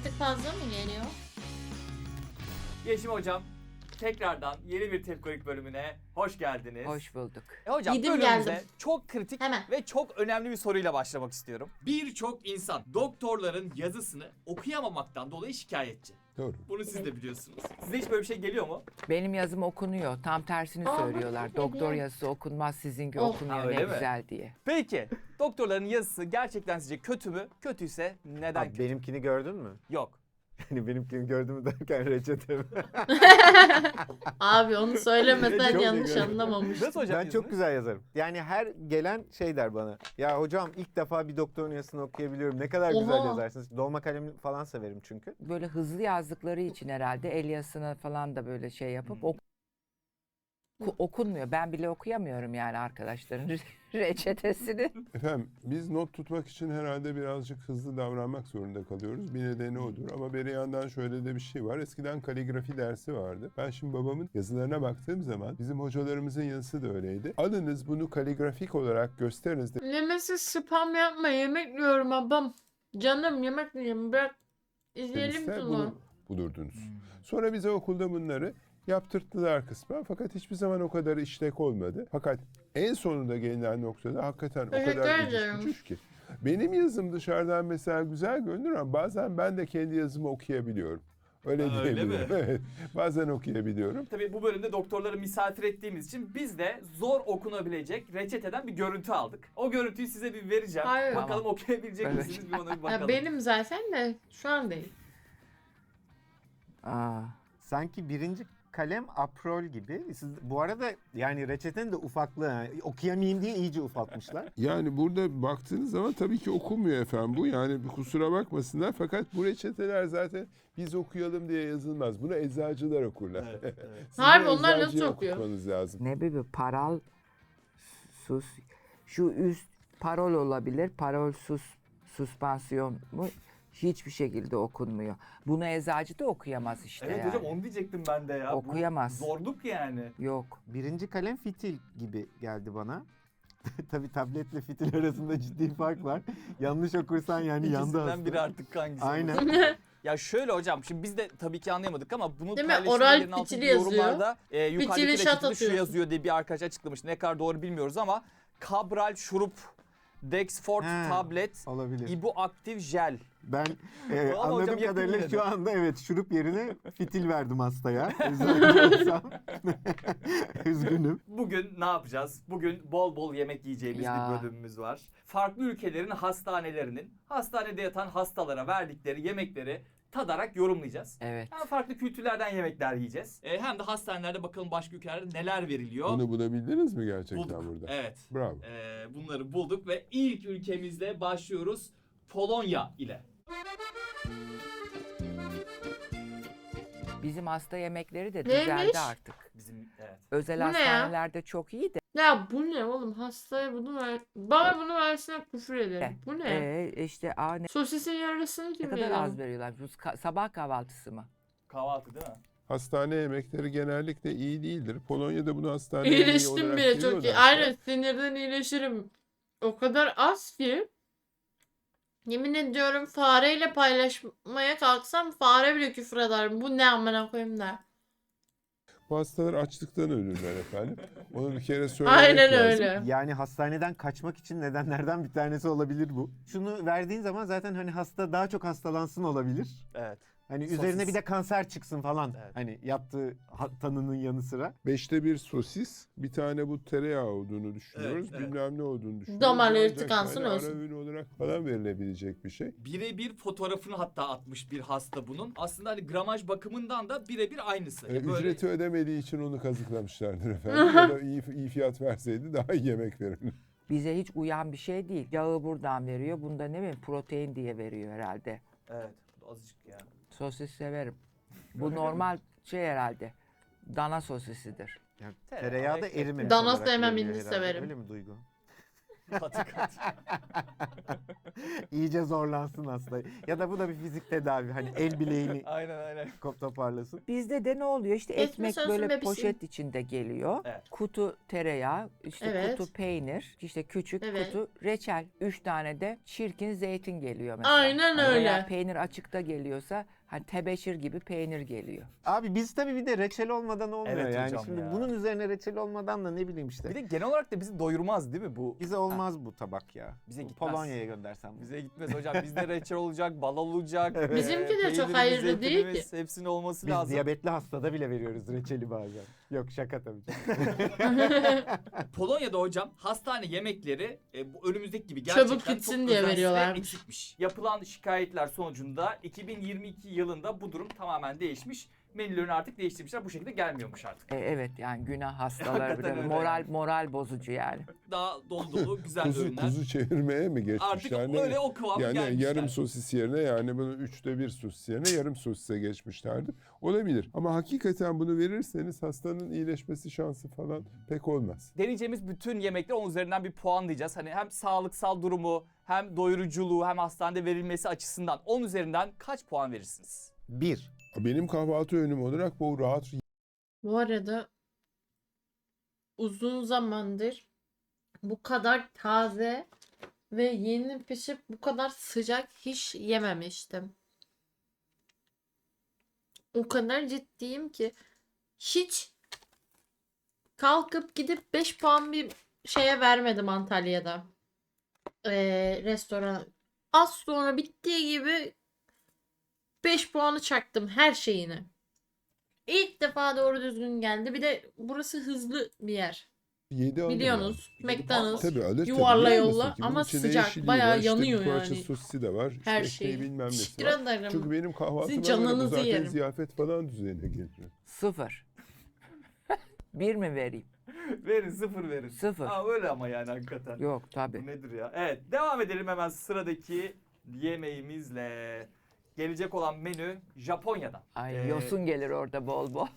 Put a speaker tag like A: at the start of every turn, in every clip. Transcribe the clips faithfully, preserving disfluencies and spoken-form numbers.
A: tık fazla mı geliyor?
B: Yeşim hocam, tekrardan yeni bir Tepkolik bölümüne hoş geldiniz.
C: Hoş bulduk.
B: E hocam
A: Yedim,
B: bölümümüze
A: geldim.
B: çok kritik
A: Hemen.
B: ve çok önemli bir soruyla başlamak istiyorum. Birçok insan doktorların yazısını okuyamamaktan dolayı şikayetçi.
D: Doğru.
B: Bunu siz de biliyorsunuz. Size hiç böyle bir şey geliyor mu?
C: Benim yazım okunuyor. Tam tersini
A: Aa,
C: söylüyorlar.
A: bak,
C: Doktor
A: hediye.
C: yazısı okunmaz, sizinki
A: Oh.
C: okunuyor
B: Ha, öyle
C: ne
B: mi?
C: güzel diye.
B: Peki, doktorların yazısı gerçekten sizce kötü mü? Kötüyse neden
E: Abi
B: kötü?
E: benimkini gördün mü?
B: Yok.
E: Yani benimkini gördün mü derken reçete mi?
A: Abi onu söylemesen
E: Çok
A: yanlış
E: iyi.
A: anlamamış.
B: Nasıl hocam
E: Ben çok
B: yazınız?
E: güzel yazarım. Yani her gelen şey der bana. Ya hocam ilk defa bir doktorun yazısını okuyabiliyorum. Ne kadar güzel
A: Oha.
E: yazarsınız. Dolma kalem falan severim çünkü.
C: Böyle hızlı yazdıkları için herhalde el yazısına falan da böyle şey yapıp
B: Hmm.
C: ok- oku- okunmuyor. Ben bile okuyamıyorum yani arkadaşların reçetesini.
D: Efendim biz not tutmak için herhalde birazcık hızlı davranmak zorunda kalıyoruz. Bir nedeni odur ama bir yandan şöyle de bir şey var. Eskiden kaligrafi dersi vardı. Ben şimdi babamın yazılarına baktığım zaman bizim hocalarımızın yazısı da öyleydi. Alınız bunu kaligrafik olarak gösteriniz.
A: Lemesi spam yapma, yemek yiyorum abam. Canım yemek yiyorum, bırak. İzleyelim
D: Dediyse
A: bunu.
D: bunu bulurdunuz. Sonra bize okulda bunları yaptırttılar kısmen fakat hiçbir zaman o kadar işlek olmadı. Fakat en sonunda gelinen noktada hakikaten o
A: Teşekkür
D: kadar
A: ederim.
D: eciş bücüş ki. Benim yazım dışarıdan mesela güzel görünür ama bazen ben de kendi yazımı okuyabiliyorum. Öyle
B: Ha, öyle
D: diyebilirim.
B: mi?
D: Evet. Bazen okuyabiliyorum.
B: Tabii bu bölümde doktorları misafir ettiğimiz için biz de zor okunabilecek reçeteden bir görüntü aldık. O görüntüyü size bir vereceğim.
A: Hayır.
B: Bakalım
C: Tamam.
B: okuyabilecek
C: Evet.
B: misiniz bir ona bir
A: Ya
B: bakalım.
A: benim zaten de şu an değil.
C: Aa,
E: Sanki birinci kalem aprol gibi. Siz, bu arada yani reçetenin de ufaklığı. Yani okuyamayayım diye iyice ufaltmışlar.
D: Yani burada baktığınız zaman tabii ki okunmuyor efendim bu. Yani bir kusura bakmasınlar fakat bu reçeteler zaten biz okuyalım diye yazılmaz. Bunu eczacılar okurlar.
B: Evet, evet.
D: Sizin
A: Harbi, onlar
D: eczacıya
A: nasıl okuyor?
D: okutmanız lazım.
C: ne bir paral sus. Şu üst parol olabilir. Parol sus suspansiyon mu? Hiçbir şekilde okunmuyor. Bunu eczacı da okuyamaz işte
B: Evet
C: yani.
B: hocam onu diyecektim ben de ya. Bu
C: Okuyamaz.
B: zorluk yani.
C: Yok.
E: Birinci kalem fitil gibi geldi bana. Tabii tabletle fitil arasında ciddi fark var. Yanlış okursan yani yandı
B: İkisinden
E: hasta.
B: biri artık hangisi?
E: Aynen.
B: olursa. Ya şöyle hocam şimdi biz de tabii ki anlayamadık ama bunu
A: Değil mi?
B: paylaşımın
A: Oral
B: yerin altındaki
A: fitili yazıyor.
B: yorumlarda e, yukarıdaki
A: Fitili şat
B: reçetede şu
A: atıyorsun.
B: yazıyor diye bir arkadaş açıklamış. Ne kadar doğru bilmiyoruz ama Cabral şurup, Dexfort
E: He.
B: tablet,
E: Olabilir.
B: İbuaktif jel.
E: Ben e,
B: Ama hocam
E: anladığım
B: yakın
E: kadarıyla
B: yine de.
E: şu anda evet şurup yerine fitil verdim hastaya. Eczacı olsam. Üzgünüm.
B: Bugün ne yapacağız? Bugün bol bol yemek yiyeceğimiz
C: Ya.
B: bir bölümümüz var. Farklı ülkelerin hastanelerinin hastanede yatan hastalara verdikleri yemekleri tadarak yorumlayacağız.
C: Evet.
B: Hem farklı kültürlerden yemekler yiyeceğiz. E, hem de hastanelerde bakalım başka ülkelerde neler veriliyor.
D: Bunu bulabildiniz mi gerçekten
B: bulduk.
D: burada?
B: Evet.
D: Bravo.
B: E, bunları bulduk ve ilk ülkemizle başlıyoruz. Polonya ile.
C: Bizim hasta yemekleri de
A: Neymiş?
C: düzeldi artık.
B: Bizim evet.
C: Özel
A: Bu ne ya?
C: hastanelerde çok iyi de.
A: Ya bu ne oğlum? Hastaya bunu ver. Bana bunu versene, küfür ederim. Bu ne?
C: Ee, işte aa, ne,
A: Sosisin yarısını
C: ne
A: kim
C: kadar
A: yiyor?
C: az veriyorlar. Bu ka- sabah kahvaltısı mı?
B: Kahvaltı değil mi?
D: Hastane yemekleri genellikle iyi değildir. Polonya'da bunu hastane yemeği
A: İyileştim
D: olarak
A: bile çok iyi.
D: görüyorlarsa-
A: Aynen, sinirden iyileşirim. O kadar az ki. Yemin ediyorum fareyle paylaşmaya kalksam fare bile küfür eder. Bu ne amına koyayım der.
D: Bu hastalar açlıktan ölürler efendim. Onu bir kere söylemek
A: Aynen
D: lazım.
A: öyle.
E: Yani hastaneden kaçmak için nedenlerden bir tanesi olabilir bu. Şunu verdiğin zaman zaten hani hasta daha çok hastalansın olabilir.
B: Evet.
E: Hani
B: Sosis.
E: üzerine bir de kanser çıksın falan.
B: Evet.
E: Hani yaptığı ha- tanının yanı sıra.
D: Beşte bir sosis, bir tane bu tereyağı olduğunu düşünüyoruz.
B: Evet, evet.
D: Bilmem ne olduğunu düşünüyoruz.
A: Damarları
D: Ancak
A: tıkansın
D: yani
A: olsun.
D: Ara öğün olarak falan verilebilecek bir şey.
B: Birebir fotoğrafını hatta atmış bir hasta bunun. Aslında hani gramaj bakımından da birebir aynısı.
D: Ee,
B: Böyle-
D: Ücreti ödemediği için onu kazıklamışlardır efendim. Ya da iyi, iyi fiyat verseydi daha iyi yemek verirdi.
C: Bize hiç uyan bir şey değil. Yağı buradan veriyor. Bunda ne bileyim protein diye veriyor herhalde.
B: Evet. Bu da azıcık ya.
C: Sosis severim. Bu normal şey herhalde. Dana sosisidir.
E: Yani
B: Tereyağı,
E: tereyağı da
B: ekmek.
E: erimemiş
A: Dana
E: olarak
A: sevmem,
E: veriliyor
A: hindi
E: herhalde.
A: severim.
E: Öyle mi Duygu?
B: Katı katı.
E: İyice zorlansın hasta. Ya da bu da bir fizik tedavi. Hani el bileğini
B: Aynen aynen.
E: kop toparlasın.
C: Bizde de ne oluyor? İşte
A: Geçmiş
C: ekmek
A: olsun
C: böyle
A: bebeğim.
C: poşet içinde geliyor.
B: Evet.
C: Kutu tereyağı, işte
A: Evet.
C: kutu peynir, işte küçük
A: Evet.
C: kutu reçel. Üç tane de çirkin zeytin geliyor mesela.
A: Aynen
C: Hani veya
A: öyle.
C: peynir açıkta geliyorsa hani tebeşir gibi peynir geliyor.
E: Abi biz tabii bir de reçel olmadan olmuyor
B: Evet
E: yani.
B: hocam
E: Şimdi
B: ya.
E: bunun üzerine reçel olmadan da ne bileyim işte.
B: Bir de genel olarak da bizi doyurmaz değil mi bu?
E: Bize olmaz bu tabak ya.
B: Bize
E: Bu
B: gitmez.
E: Polonya'ya göndersem.
B: Bize gitmez hocam. Bizde reçel olacak, bal olacak.
E: Evet.
A: Bizimki de çok
B: peynirimiz,
A: hayırlı değil
B: zeytinimiz, Hepsinin olması
E: Biz
B: lazım.
E: diyabetli hastada bile veriyoruz reçeli bazen. Yok şaka tabii.
B: Polonya'da hocam hastane yemekleri e, bu önümüzdeki gibi gerçekten
A: Çabuk gitsin
B: çok
A: diye
B: özensiz ve
A: veriyorlarmış.
B: eksikmiş. Yapılan şikayetler sonucunda iki bin yirmi iki yılında bu durum tamamen değişmiş. Menülerini artık değiştirmişler. Bu şekilde gelmiyormuş artık.
C: E, evet yani günah hastaları
B: Hakikaten
C: bile
B: öyle
C: moral
B: yani.
C: moral bozucu yani.
B: Daha dolu dolu güzel
D: Kuzu,
B: ürünler.
D: kuzu çevirmeye mi
B: Artık
D: geçmişler? Ne-
B: öyle o kıvama
D: Yani
B: gelmişler.
D: yarım sosis yerine yani bunu üçte bir sosis yerine yarım sosise geçmişlerdi. Olabilir. Ama hakikaten bunu verirseniz hastanın iyileşmesi şansı falan pek olmaz.
B: Deneyeceğimiz bütün yemekler onun üzerinden bir puan diyeceğiz. Hani hem sağlıksal durumu, hem doyuruculuğu, hem hastanede verilmesi açısından on üzerinden kaç puan verirsiniz?
E: Bir.
D: Benim kahvaltı öğünüm olarak bu rahat
A: Bu arada uzun zamandır bu kadar taze ve yeni pişip bu kadar sıcak hiç yememiştim. O kadar ciddiyim ki hiç kalkıp gidip beş puan bir şeye vermedim Antalya'da. Ee, restoran. Az sonra bittiği gibi beş puanı çaktım her şeyini. İlk defa doğru düzgün geldi. Bir de burası hızlı bir yer.
D: yedi alır yani.
A: Biliyorsunuz.
B: Yedi puan
A: McDonald's.
D: Tabii alır tabii.
A: Yuvarla
D: Niye
A: yolla
D: almasın ki? Bunun
A: ama
D: içinde
A: sıcak,
D: yeşilliği
A: bayağı
D: var, işte
A: yanıyor
D: bir parça
A: yani.
D: sosisi de var. İşte
A: Her
D: ekmeği
A: şeyi.
D: bilmem nesi
A: Teşekkür
D: var.
A: ederim.
D: Çünkü benim kahvaltıma
A: Sizin
D: göre bu
A: canınızı
D: zaten
A: yerim.
D: ziyafet falan düzeyine geliyor.
C: Sıfır. Bir mi vereyim?
B: Verin sıfır verin.
C: Sıfır.
B: Ha, öyle ama yani hakikaten.
C: Yok
B: Bu
C: tabii.
B: nedir ya? Evet devam edelim hemen sıradaki yemeğimizle. Gelecek olan menü Japonya'dan.
C: Ay
B: Ee,
C: yosun gelir orada bol bol.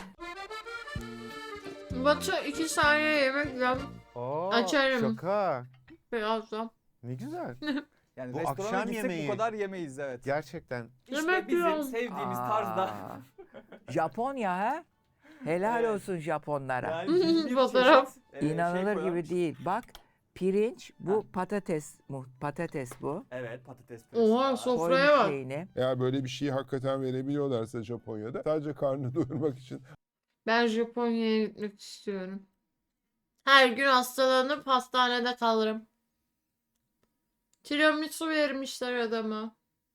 A: Batu iki saniye yemek yem
E: Oo,
A: Açarım.
E: Şaka.
A: birazdan.
E: Ne güzel.
B: Yani
E: Bu
B: restorana
E: akşam
B: gitsek
E: yemeği.
B: bu kadar yemeyiz evet.
E: Gerçekten.
B: İşte
A: Yemek
B: bizim
A: yiyorum.
B: sevdiğimiz
C: Aa,
B: tarzda.
C: Japonya ha? Helal
B: Evet.
C: olsun Japonlara.
B: Yani bin bir
A: Fotoğraf.
B: çeşit, e, şey
C: İnanılır gibi
B: koyarmış.
C: değil. Bak pirinç bu patates mu patates bu.
B: Evet patates püresi
A: Oha
B: var.
A: sofraya
C: Koymuş
A: bak.
C: şeyini.
D: Eğer böyle bir şeyi hakikaten verebiliyorlarsa Japonya'da sadece karnını doyurmak için
A: Ben Japonya'ya gitmek istiyorum. Her gün hastalanıp hastanede kalırım. Tiramisu vermişler adama.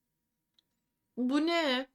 A: Bu ne?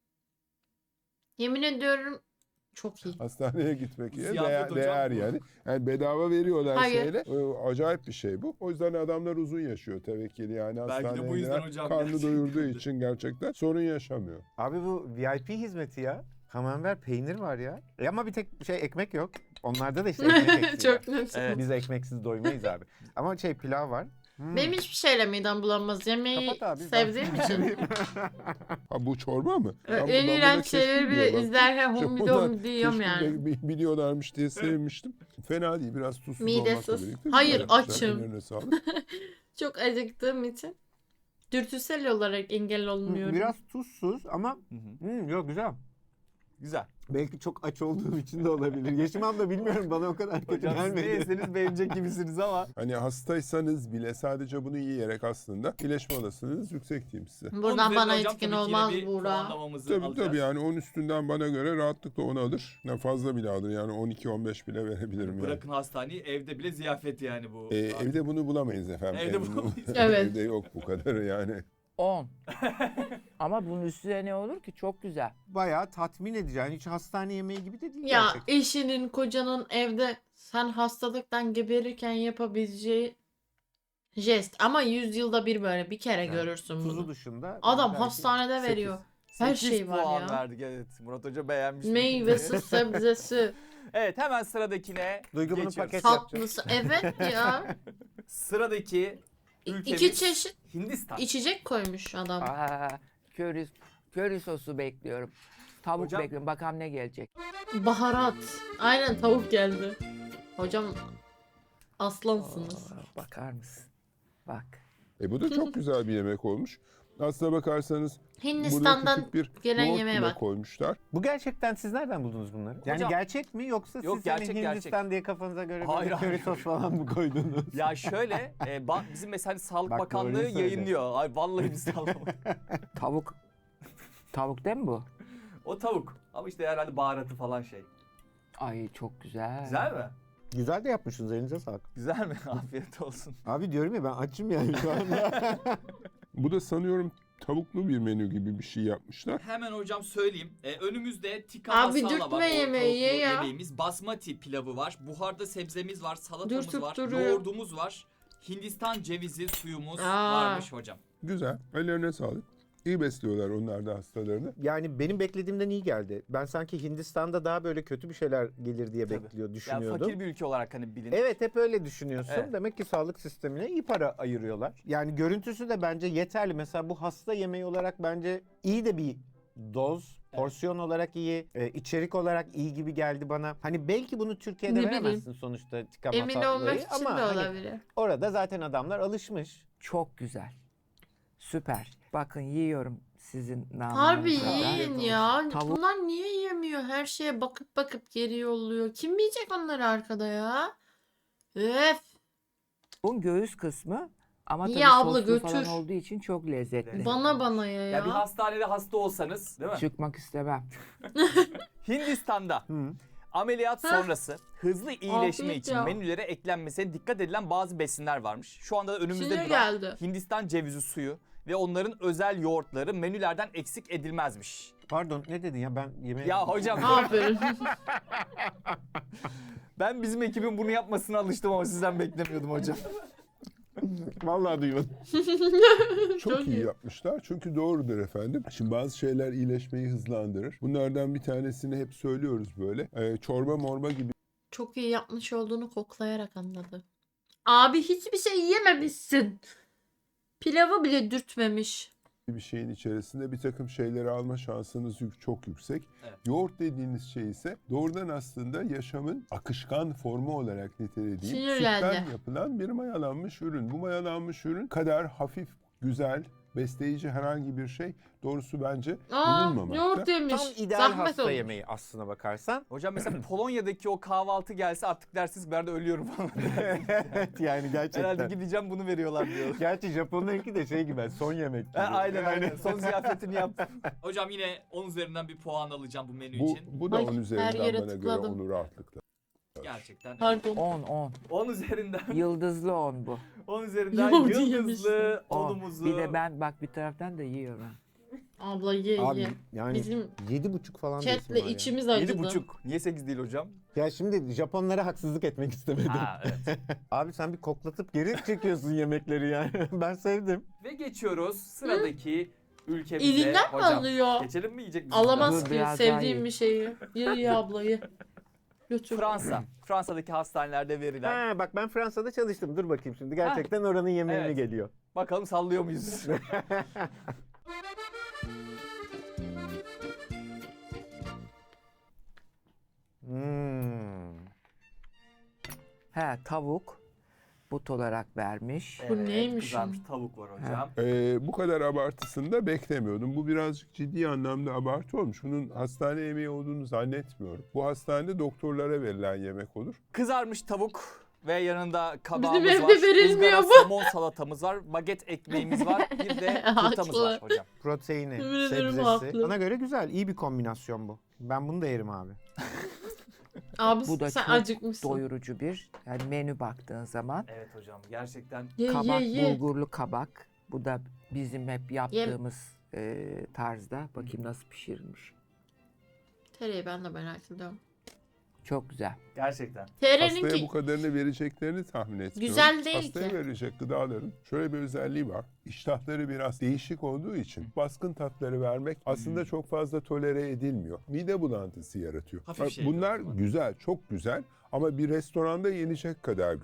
A: Yemin ediyorum çok iyi.
D: hastaneye gitmek yerine
B: Ziyafet
D: değer,
B: hocam
D: değer
B: bu.
D: yani. Yani bedava veriyorlar
A: Hayır.
D: şeyle. Ee, Acayip bir şey bu. O yüzden adamlar uzun yaşıyor tevekkili yani
B: Belki de
D: hastaneye
B: bu yüzden
D: gelen
B: hocam
D: karnı
B: gerçekten
D: doyurduğu
B: de.
D: için gerçekten sorun yaşamıyor.
E: Abi bu V I P hizmeti ya. Camembert peynir var ya. E ama bir tek şey ekmek yok. Onlarda da işte ekmek eksiği var.
A: Çok net.
B: Evet.
E: Biz ekmeksiz doymayız abi. Ama şey pilav var. Hmm.
A: Benim hiçbir şeyle midem bulanmaz. Yemeği
E: Kapat abi,
A: sevdiğim
E: ben-
A: için.
D: Ha bu çorba mı? Ben bu-
A: en
D: ben
A: iğrenç
D: buna
A: şeyleri bile
D: keşke
A: izlerken
D: diyorum.
A: hom
D: Japonlar
A: bidom diyorum
D: keşke
A: yani.
D: bi- biliyorlarmış diye sevmiştim. Fena değil. Biraz tuzsuz
A: Midesiz.
D: olmakla birlikte.
A: Hayır,
D: güzel yapmışlar.
A: açım.
D: Ellerine sağlık.
A: Çok acıktığım için dürtüsel olarak engel olmuyorum.
E: Biraz tuzsuz ama
B: Hı hı.
E: hmm, yok güzel.
B: Güzel.
E: Belki çok aç olduğum için de olabilir. Yaşımam da bilmiyorum bana o kadar kötü
B: Hocam siz ne
E: gelmedi.
B: yeseniz beğenecek gibisiniz ama.
D: Hani hastaysanız bile sadece bunu yiyerek aslında iyileşme olasılığınız yüksek diyeyim size.
B: Onun
A: Buradan
B: üzerine
A: bana
B: hocam
A: etkin
B: tabii ki yine
A: olmaz
B: bir
A: Buğra.
B: puanlamamızı
D: Tabii
B: alacağız.
D: tabii yani on üstünden bana göre rahatlıkla on alır. Yani fazla bile alır yani on iki on beş bile verebilirim yani.
B: Bırakın hastaneyi evde bile ziyafet yani bu.
D: Ee, evde bunu bulamayız efendim.
B: Evde
D: bunu-
B: bulamayız.
A: Evet.
D: Evde yok bu kadarı yani.
C: on. Ama bunun üstüne ne olur ki? Çok güzel.
E: Bayağı tatmin edici. Yani hiç hastane yemeği gibi de değil
A: Ya
E: gerçekten.
A: eşinin, kocanın evde sen hastalıktan geberirken yapabileceği jest. Ama yüz yılda bir böyle bir kere
E: Evet.
A: görürsün
E: Tuzu
A: bunu.
E: dışında.
A: Adam
E: belki
A: hastanede
E: sekiz.
A: veriyor. Her
B: sekiz
A: şey var
B: puan
A: ya.
B: verdik evet. Murat Hoca beğenmiş.
A: Meyvesi, sebzesi,
B: Evet hemen sıradakine
E: Duygu bunu
B: geçiyoruz.
E: paket yapacak.
A: tatlısı. Evet ya.
B: Sıradaki
A: İ-
B: ülkemiz
A: İki çeşit
B: Hindistan.
A: içecek koymuş adam.
C: Aa, köri, köri sosu bekliyorum. Tavuk
B: Hocam-
C: bekliyorum. Bakalım ne gelecek.
A: Baharat. Aynen tavuk geldi. Hocam Aslansınız.
C: Aa, bakar mısın? Bak.
D: E bu da çok güzel bir yemek olmuş. Aslına bakarsanız burada
A: Hindistan'dan
D: küçük bir
A: gelen
D: yoğurt
A: yemeğe
D: bile
A: bak.
D: koymuşlar.
E: Bu gerçekten siz nereden buldunuz bunları? Yani
B: Hocam-
E: gerçek mi yoksa
B: Yok,
E: siz
B: gerçek,
E: hani Hindistan
B: gerçek.
E: diye kafanıza göre
B: Hayır,
E: böyle
B: hayır.
E: köri sos falan mı koydunuz?
B: Ya şöyle e, ba- bizim mesela hani Sağlık
E: Bak,
B: Bakanlığı
E: doğruyu söyle.
B: yayınlıyor. Ay vallahi biz sallamadık.
C: Tavuk. Tavuk değil mi bu?
B: O tavuk. Ama işte herhalde baharatı falan şey.
C: Ay çok güzel.
B: Güzel mi?
E: Güzel de yapmışsınız, elinize sağlık.
B: Güzel mi? Afiyet olsun.
E: Abi diyorum ya ben açım yani şu anda.
D: Bu da sanıyorum tavuklu bir menü gibi bir şey yapmışlar.
B: Hemen hocam söyleyeyim. Ee, önümüzde tikka
A: Abi
B: masala
A: dürtme
B: var. O
A: yemeği ye
B: tavuklu
A: ya.
B: yemeğimiz. Basmati pilavı var. Buharda sebzemiz var. Salatamız
A: Dürtüp
B: var.
A: duruyor.
B: Yoğurdumuz var. Hindistan cevizi suyumuz
A: Aa.
B: varmış hocam.
D: Güzel. Ellerine sağlık. İyi besliyorlar onlar da hastalarını.
E: Yani benim beklediğimden iyi geldi. Ben sanki Hindistan'da daha böyle kötü bir şeyler gelir diye
B: Tabii.
E: bekliyor,
B: Yani
E: düşünüyordum.
B: fakir bir ülke olarak hani bilin.
E: Evet, hep öyle düşünüyorsun.
B: Evet.
E: Demek ki sağlık sistemine iyi para ayırıyorlar. Yani görüntüsü de bence yeterli. Mesela bu hasta yemeği olarak bence iyi de bir doz. Porsiyon olarak iyi, e, içerik olarak iyi gibi geldi bana. Hani belki bunu Türkiye'de
A: Ne bileyim.
E: veremezsin sonuçta tika
A: Emin
E: masayı
A: olmak için
E: ama
A: de
E: hani
A: olabilir.
E: orada zaten adamlar alışmış.
C: Çok güzel. Süper. Bakın yiyorum sizin
A: Harbi
C: namınıza da.
A: yiyin ya.
C: Tavuk-
A: Bunlar niye yemiyor? Her şeye bakıp bakıp geri yolluyor. Kim yiyecek onları arkada ya? Öf.
C: Bunun göğüs kısmı ama tabii
A: Ya abla
C: soslu falan
A: götür.
C: olduğu için çok lezzetli.
A: Bana bana ya
B: Ya bir
A: ya.
B: hastanede hasta olsanız değil mi?
C: Çıkmak istemem.
B: Hindistan'da
E: Hı.
B: ameliyat
A: Heh.
B: sonrası hızlı iyileşme
A: Afiyet
B: için
A: ya.
B: menülere eklenmesine dikkat edilen bazı besinler varmış. Şu anda da önümüzde
A: Sinir
B: duran
A: geldi.
B: Hindistan cevizi suyu ve onların özel yoğurtları menülerden eksik edilmezmiş.
E: Pardon, ne dedin ya, ben yemeğe...
B: Ya hocam
A: Aferin.
B: ben bizim ekibin bunu yapmasına alıştım ama sizden beklemiyordum hocam.
E: Vallahi duymadım.
D: Çok,
A: Çok
D: iyi
A: iyi.
D: yapmışlar. Çünkü doğrudur efendim. Şimdi bazı şeyler iyileşmeyi hızlandırır. Bunlardan bir tanesini hep söylüyoruz böyle. Ee, çorba morba gibi
A: Çok iyi yapmış olduğunu koklayarak anladı. Abi hiçbir şey yememişsin. Pilavı bile dürtmemiş.
D: bir şeyin içerisinde bir takım şeyleri alma şansınız yük- çok yüksek.
B: Evet.
D: Yoğurt dediğiniz şey ise doğrudan aslında yaşamın akışkan formu olarak nitelediğim
A: Sinir
D: sütten
A: geldi.
D: yapılan bir mayalanmış ürün. Bu mayalanmış ürün kadar hafif, güzel, besleyici herhangi bir şey doğrusu bence
A: Aa,
D: bulunmamakta.
A: yoğurt yemiş.
E: Tam ideal
A: Zahmet
E: hasta
A: olmuş.
E: yemeği aslına bakarsan.
B: Hocam mesela Polonya'daki o kahvaltı gelse artık dersiniz ben de ölüyorum falan.
E: Evet yani gerçekten.
B: Herhalde gideceğim bunu veriyorlar diyor.
E: Gerçi Japonlarınki de şey gibi, son yemek gibi.
B: Ha, aynen
E: Yani-
B: aynen. Son ziyafetini yaptım. Hocam yine on üzerinden bir puan alacağım bu menü
D: Bu,
B: için.
D: bu da
A: Ay,
D: on
A: her
D: üzerinden
A: yere
D: bana
A: tıkladım.
D: göre onu rahatlıkla.
B: Gerçekten.
A: Pardon.
C: on on.
B: on üzerinden
C: Yıldızlı on bu.
B: on üzerinden
A: Yoğurt
B: yıldızlı
A: yemişsin.
C: on.
B: onumuzu.
C: Bir de ben bak bir taraftan da yiyorum. ha.
A: Abla ye
E: Abi
A: ye.
E: yani
A: Bizim
E: yedi buçuk falan diyorsun
A: chatle
E: var ya.
A: içimiz acıdı.
B: yedi buçuk. Niye sekiz değil hocam?
E: Ya şimdi Japonlara haksızlık etmek istemedim.
B: Ha evet.
E: Abi sen bir koklatıp geri çekiyorsun yemekleri yani. Ben sevdim.
B: Ve geçiyoruz sıradaki ülkemize.
A: Elinden mi
B: Hocam,
A: alıyor?
B: geçelim mi yiyecek misiniz?
A: Alamaz
C: Dur,
A: ki
C: biraz daha
A: sevdiğim
C: ye.
A: bir şeyi. Ye ye abla ye. Götür.
B: Fransa. Fransa'daki hastanelerde verilen.
E: Ha bak ben Fransa'da çalıştım. Dur bakayım şimdi. Gerçekten oranın yemeği mi
B: Evet.
E: geliyor?
B: Bakalım sallıyor muyuz?
E: Hmm.
C: He tavuk but olarak vermiş.
A: Bu neymiş
B: Kızarmış
A: ya?
B: tavuk var hocam.
D: Ee, bu kadar abartısını da beklemiyordum. Bu birazcık ciddi anlamda abartı olmuş. Bunun hastane yemeği olduğunu zannetmiyorum. Bu hastanede doktorlara verilen yemek olur.
B: Kızarmış tavuk ve yanında kabağımız
A: Bizim
B: var.
A: evde verilmiyor
B: ızgara
A: bu.
B: somon salatamız var. Baget ekmeğimiz var. Bir de
A: Haklı.
B: turtamız var hocam.
E: Proteini,
A: Yemin ederim
E: sebzesi.
A: haklı.
E: Bana göre güzel. İyi bir kombinasyon bu. Ben bunu da yerim abi.
A: Abi
C: Bu da
A: sen
C: çok
A: acıkmışsın.
C: doyurucu bir yani menü baktığın zaman.
B: Evet hocam gerçekten.
A: Ye
C: Kabak,
A: ye ye.
C: bulgurlu kabak. Bu da bizim hep yaptığımız e, tarzda. Bakayım nasıl pişirilmiş.
A: Tereyi ben de merak ediyorum.
C: Çok güzel.
B: Gerçekten.
D: Hastaya
A: Tereninki
D: bu kadarını vereceklerini tahmin etmiyorum.
A: Güzel değil
D: Hastaya
A: ki.
D: verecek gıdaların şöyle bir özelliği var. İştahları biraz değişik olduğu için baskın tatları vermek aslında çok fazla tolere edilmiyor. Mide bulantısı yaratıyor.
B: Hafif
D: Bak,
B: şey
D: Bunlar
B: o zaman.
D: güzel, çok güzel ama bir restoranda yenecek kadar güzel.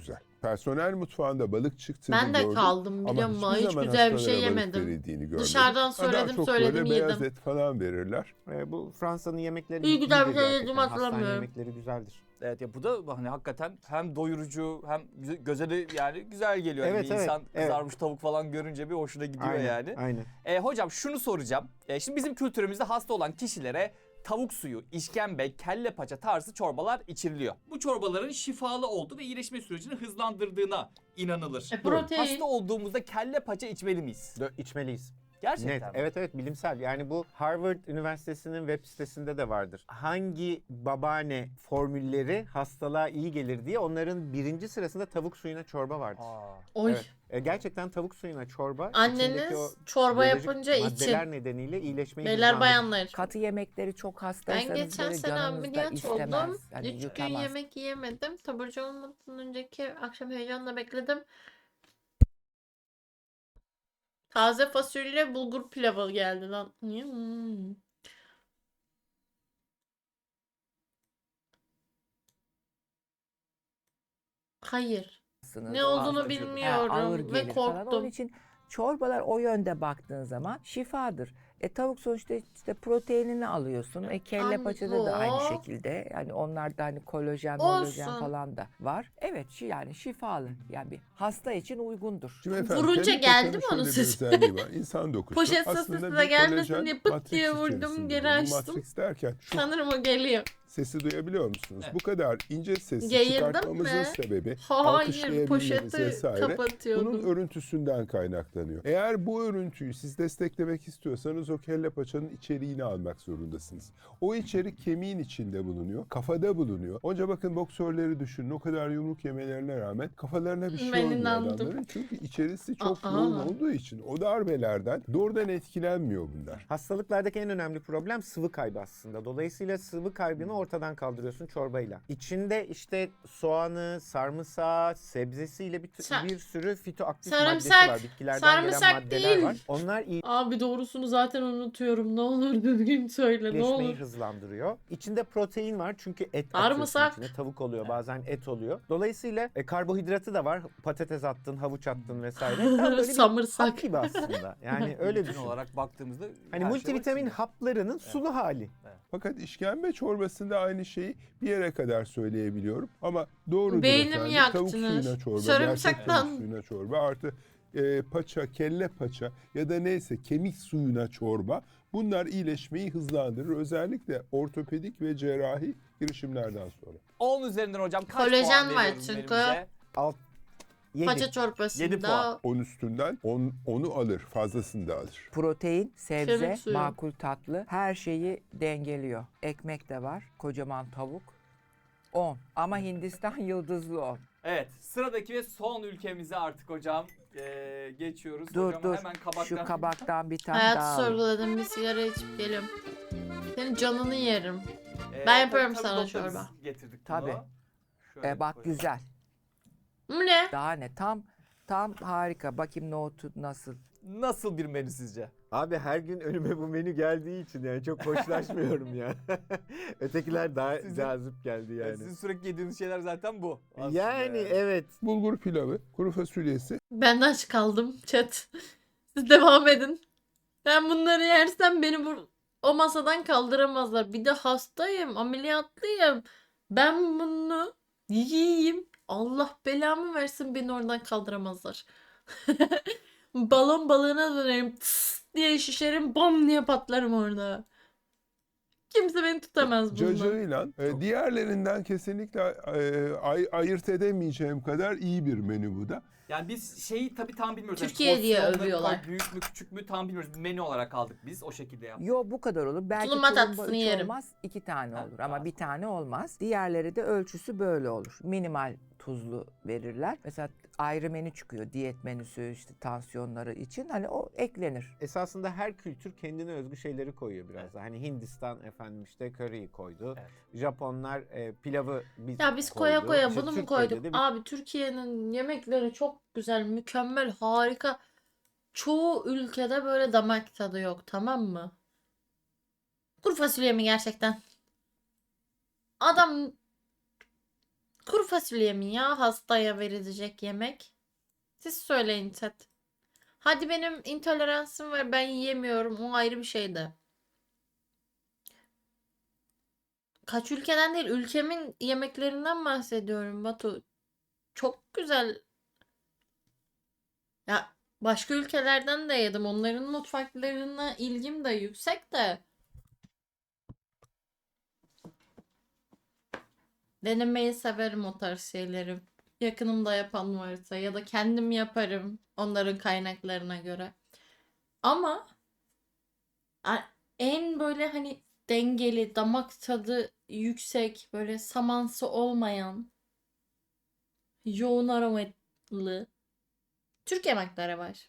D: Personel mutfağında balık çıktığını
A: Ben de
D: gördüm.
A: kaldım
D: Ama
A: biliyor musun?
D: hiçbir
A: Hiç
D: zaman
A: güzel bir şey
D: hastalara balık
A: yemedim.
D: verildiğini görmedim.
A: Dışarıdan
D: Ha, daha
A: söyledim,
D: çok
A: söyledim,
D: böyle beyaz
A: yedim.
D: et falan verirler.
E: E, bu Fransa'nın yemekleri
A: İyi, güzel bir
E: iyidir
A: şey
E: gerçekten.
A: yedim,
E: Hastane
A: hatırlamıyorum.
E: yemekleri güzeldir.
B: Evet ya bu da hani hakikaten hem doyurucu hem güze- göze de yani güzel geliyor. Yani
E: Evet,
B: bir
E: evet,
B: insan
E: evet.
B: kızarmış tavuk falan görünce bir hoşuna gidiyor
E: Aynen,
B: yani.
E: aynen.
B: E, hocam şunu soracağım. E, şimdi bizim kültürümüzde hasta olan kişilere tavuk suyu, işkembe, kelle paça tarzı çorbalar içiriliyor. Bu çorbaların şifalı olduğu ve iyileşme sürecini hızlandırdığına inanılır.
A: E, protein.
B: Hasta olduğumuzda kelle paça içmeli miyiz?
E: Dö- içmeliyiz.
B: Gerçekten
E: Net.
B: mi?
E: Evet evet bilimsel. Yani bu Harvard Üniversitesi'nin web sitesinde de vardır. Hangi babaanne formülleri hastalığa iyi gelir diye onların birinci sırasında tavuk suyuna çorba vardır.
B: Aa.
A: Oy.
E: Evet. E, gerçekten tavuk suyuna çorba içindeki
A: Anneniz
E: o
A: çorba
E: biyolojik
A: yapınca için.
E: maddeler nedeniyle iyileşmeyi
A: Beyler
E: hızlandırır.
A: bayanlar.
C: Katı yemekleri çok
A: Ben
C: hastaysanız
A: geçen
C: böyle
A: sene
C: canınız da
A: ameliyat
C: istemez.
A: oldum.
C: Hani
A: Üç gün
C: yutamaz.
A: yemek yiyemedim. Taburcu olmadan önceki akşam heyecanla bekledim. Taze fasulye bulgur pilavı geldi lan. Hmm. Hayır. Ne
C: Ağız
A: olduğunu
B: acıyordu.
C: Ha,
A: bilmiyorum
C: ağır
A: ve
C: gelir falan. Onun
A: korktum.
C: için çorbalar o yönde baktığın zaman şifadır. E tavuk sonuçta işte proteinini alıyorsun. E kelle
A: An-
C: paçada da aynı
A: o.
C: şekilde. Yani onlarda hani kolajen,
A: Olsun.
C: molajen falan da var. Evet şi- yani şifalı. Yani bir hasta için uygundur.
D: Şimdi efendim,
A: Vurunca
D: kelle
A: geldi
D: paçanın
A: mi onun
D: şöyle bir
A: sesi?
D: özelliği var. İnsan dokusu
A: Poşet
D: aslında
A: sesi
D: bir
A: de gelmesin
D: kolajen
A: diye pıt
D: matrix
A: diye vurdum,
D: içerisinde.
A: geri
D: Bu
A: açtım.
D: matrix derken şu
A: Sanırım o geliyor.
D: sesi duyabiliyor musunuz?
B: Evet.
D: Bu kadar ince sesi
A: Geğirdim
D: çıkartmamızın
A: mi?
D: sebebi
A: Hayır,
D: alkışlayabilmemiz
A: poşeti
D: vesaire bunun
A: kapatıyordum.
D: örüntüsünden kaynaklanıyor. Eğer bu örüntüyü siz desteklemek istiyorsanız o kelle paçanın içeriğini almak zorundasınız. O içerik kemiğin içinde bulunuyor, kafada bulunuyor. Onca bakın boksörleri düşünün, o kadar yumruk yemelerine rağmen kafalarına bir şey
A: Ben
D: olmuyor
A: inandım.
D: adamların. Çünkü içerisi çok
A: Aa.
D: yoğun olduğu için o darbelerden doğrudan etkilenmiyor bunlar.
E: Hastalıklardaki en önemli problem sıvı kaybı aslında. Dolayısıyla sıvı kaybını ortadan kaldırıyorsun çorbayla. İçinde işte soğanı, sarımsağı, sebzesiyle bir,
A: Sa-
E: bir sürü fitoaktif
A: Sarımsak,
E: maddesi var. Bitkilerden
A: sarımsak
E: gelen maddeler
A: değil.
E: var. Onlar
A: Abi doğrusunu zaten unutuyorum. Ne olur düzgün söyle. Ne
E: iyileşmeyi
A: olur.
E: hızlandırıyor. İçinde protein var çünkü et
A: Sarımsak.
E: atıyorsun içine. Tavuk oluyor bazen et oluyor. Dolayısıyla e, karbonhidratı da var. Patates attın, havuç attın vesaire. Tam böyle bir
A: Samırsak.
E: hap gibi aslında. Yani öyle
B: Bütün
E: düşün.
B: olarak baktığımızda
E: Hani
B: her şey
E: multivitamin
B: var içinde.
E: haplarının sulu hali.
D: Fakat işkembe çorbasında aynı şeyi bir yere kadar söyleyebiliyorum. Ama doğrudur
A: Beynimi
D: efendim.
A: yaktınız.
D: Tavuk suyuna çorba,
A: Sarımsaktan-
D: gerçek tavuk suyuna çorba artı e, paça, kelle paça ya da neyse kemik suyuna çorba. Bunlar iyileşmeyi hızlandırır. Özellikle ortopedik ve cerrahi girişimlerden sonra.
B: on üzerinden hocam kaç
A: Kolajen
B: puan
A: var
B: veriyoruz
A: çünkü.
B: menümüze?
E: Alt yedi.
A: Paça
B: Yedi puan.
A: çorbasında
D: on üstünden onu alır, fazlasını da alır.
C: Protein, sebze,
A: Kemik suyu.
C: makul tatlı her şeyi dengeliyor. Ekmek de var, kocaman tavuk. on. Ama Hindistan yıldızlı on.
B: Evet, sıradaki ve son ülkemize artık hocam eee, geçiyoruz.
C: Dur
B: hocam
C: dur.
B: hemen kabaktan.
C: Şu kabaktan bir tane
A: hayatı
C: daha al.
A: sorguladım, bir sigara içip geliyorum. Senin canını yerim.
B: Eee,
A: Ben yaparım
B: tabii- tabii
A: sana
B: doktor biz
A: çorba.
B: Getirdik bunu.
C: Tabii.
B: Şöyle
C: E, bak
B: koyalım.
C: güzel.
A: Bu ne?
C: Daha ne? Tam tam harika. Bakayım nohutu nasıl?
B: Nasıl bir menü sizce?
E: Abi her gün önüme bu menü geldiği için yani çok hoşlaşmıyorum ya. Ötekiler daha
B: Sizin-
E: cazip geldi
B: Yani.
E: yani.
B: Sizin sürekli yediğiniz şeyler zaten bu. aslında
E: Yani evet.
D: Bulgur pilavı, kuru fasulyesi,
A: Ben de aç kaldım chat. Siz devam edin. Ben bunları yersem beni bu o masadan kaldıramazlar. Bir de hastayım, ameliyatlıyım. Ben bunu yiyeyim. Allah belamı versin, beni oradan kaldıramazlar. Balon balığına dönerim. Tıs diye şişerim. Bom diye patlarım orada. Kimse beni tutamaz bundan.
D: cacığıyla e, diğerlerinden kesinlikle e, ay- ayırt edemeyeceğim kadar iyi bir menü bu da.
B: Yani biz şeyi tabii tam bilmiyoruz. Yani
A: Türkiye diye
B: porsiyonları
A: övüyorlar.
B: Büyük mü küçük mü tam bilmiyoruz. Menü olarak aldık biz o şekilde yaptık.
C: Yo bu kadar olur. Belki
A: Tulumba
C: tulumba
A: tatlısını
C: üç
A: yerim.
C: olmaz, iki tane
B: Ha,
C: olur.
B: tamam.
C: Ama bir tane olmaz. Diğerleri de ölçüsü böyle olur. Minimal tuzlu verirler. Mesela ayrı menü çıkıyor. Diyet menüsü işte tansiyonları için. Hani o eklenir.
E: Esasında her kültür kendine özgü şeyleri koyuyor biraz da. Hani Hindistan efendim işte köriyi koydu.
B: Evet.
E: Japonlar e, pilavı biz
A: Ya biz
E: koydu.
A: koya koya
E: İşte
A: bunu mu
E: Türkiye'de
A: koyduk?
E: de bir-
A: Abi Türkiye'nin yemekleri çok güzel, mükemmel, harika. Çoğu ülkede böyle damak tadı yok, tamam mı? Kuru fasulye mi gerçekten? Adam Kuru fasulye mi ya hastaya verilecek yemek? Siz söyleyin chat. Hadi benim intoleransım var, ben yiyemiyorum, o ayrı bir şey de. Kaç ülkeden değil, ülkemin yemeklerinden bahsediyorum Batu. Çok güzel. Ya başka ülkelerden de yedim. Onların mutfaklarına ilgim de yüksek de. Denemeyi severim o tarz şeyleri. Yakınımda yapan varsa ya da kendim yaparım onların kaynaklarına göre. Ama a- en böyle hani dengeli, damak tadı yüksek, böyle samansı olmayan, yoğun aromalı Türk yemekleri var.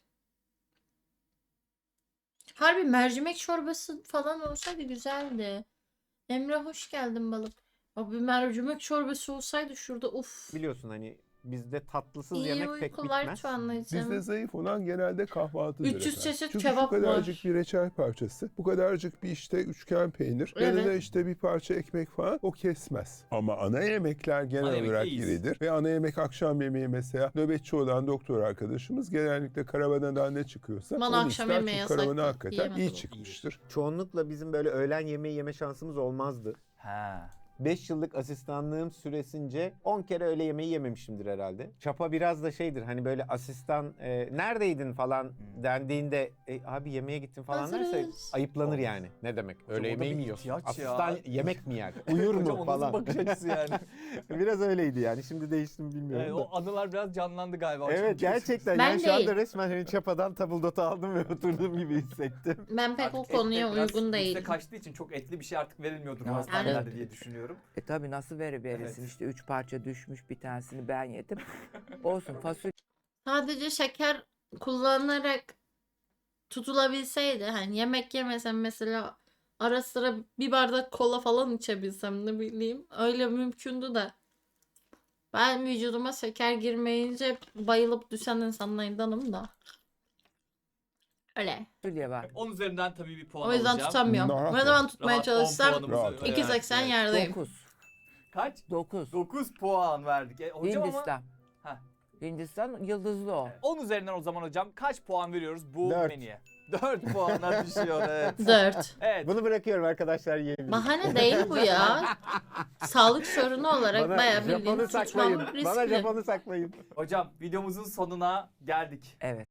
A: Harbi mercimek çorbası falan olsaydı güzeldi. Emre hoş geldin balık. Abi mercimek çorbası olsaydı şurada uf.
E: Biliyorsun hani bizde tatlısız
A: İyi
E: yemek pek
A: uykular
E: bitmez.
A: Tuana'cığım.
D: Bizde zayıf olan genelde kahvaltıdır
A: üç yüz
D: efendim.
A: çeşit
D: Çünkü
A: kebap
D: şu kadarcık
A: var.
D: bir reçel parçası, bu kadarcık bir işte üçgen peynir, yanında
A: Evet.
D: işte bir parça ekmek falan o kesmez. Ama ana yemekler genel
B: Ana yemek
D: olarak
B: iyiyiz.
D: iridir. Ve ana yemek akşam yemeği mesela nöbetçi olan doktor arkadaşımız genellikle karavanadan ne çıkıyorsa
A: Bana
D: onu
A: akşam
D: ister.
A: yemeği
D: Çünkü karavana
A: yasaktı.
D: hakikaten
A: Yiyemedim.
D: iyi çıkmıştır.
E: Çoğunlukla bizim böyle öğlen yemeği yeme şansımız olmazdı.
B: Ha.
E: beş yıllık asistanlığım süresince on kere öğle yemeği yememişimdir herhalde. Çapa biraz da şeydir hani böyle asistan e, neredeydin falan dendiğinde e, abi yemeğe gittin falan derse
A: Hazırız.
E: ayıplanır yani. Ne demek?
B: Hocam
E: Öğle
B: o da
E: yemeği
B: bir
E: mi yiyorsun?
B: ihtiyaç ya.
E: Asistan yemek mi yer? Uyur
B: Hocam o
E: mu
B: nasıl
E: falan?
B: bakış açısı yani?
E: Biraz öyleydi yani. Şimdi değişti mi bilmiyorum
B: Yani
E: da.
B: o anılar biraz canlandı galiba. hocam.
E: Evet gerçekten
A: Ben
E: yani şu
A: değil.
E: anda resmen hani çapadan tabuldotu aldım ve oturduğum gibi hissettim.
A: Ben pek
B: Artık
A: o
B: et de
A: konuya
B: biraz
A: uygun
B: lükse
A: değilim.
B: kaçtığı için çok etli bir şey artık verilmiyordur
C: Ya,
B: hastanelerde
C: evet.
B: diye düşünüyorum.
C: E tabi nasıl veri verirsin
B: Evet.
C: işte üç parça düşmüş bir tanesini ben yedim. Olsun fasulye
A: Sadece şeker kullanarak tutulabilseydi hani yemek yemesem mesela ara sıra bir bardak kola falan içebilsem ne bileyim öyle mümkündü de ben vücuduma şeker girmeyince bayılıp düşen insanlardanım da öyle.
C: var.
B: on üzerinden tabii bir puan
A: O yüzden
B: alacağım.
A: tutamıyorum.
D: Rahat
A: Ne
D: ol.
A: zaman tutmaya
B: Rahat on
A: çalışsam
B: puanımızı
D: Rahat ol.
B: verdik.
A: iki seksen
B: Evet.
A: yerdeyim.
C: dokuz.
B: Kaç?
C: dokuz.
B: dokuz puan verdik. E, hocam ama
C: Hindistan.
B: Heh.
C: Hindistan yıldızlı o.
B: on üzerinden o zaman hocam kaç puan veriyoruz bu
E: Dört.
B: menüye? dört puana düşüyor evet.
A: Dört.
B: Evet.
E: Bunu bırakıyorum arkadaşlar yiyebilirim.
A: Bahane değil bu ya. Sağlık sorunu olarak
E: Bana
A: bayağı
E: Japon'u
A: bildiğin
E: saklayın.
A: tutmam
E: Bana
A: riskli.
E: Japon'u saklayın.
B: Hocam videomuzun sonuna geldik.
C: Evet.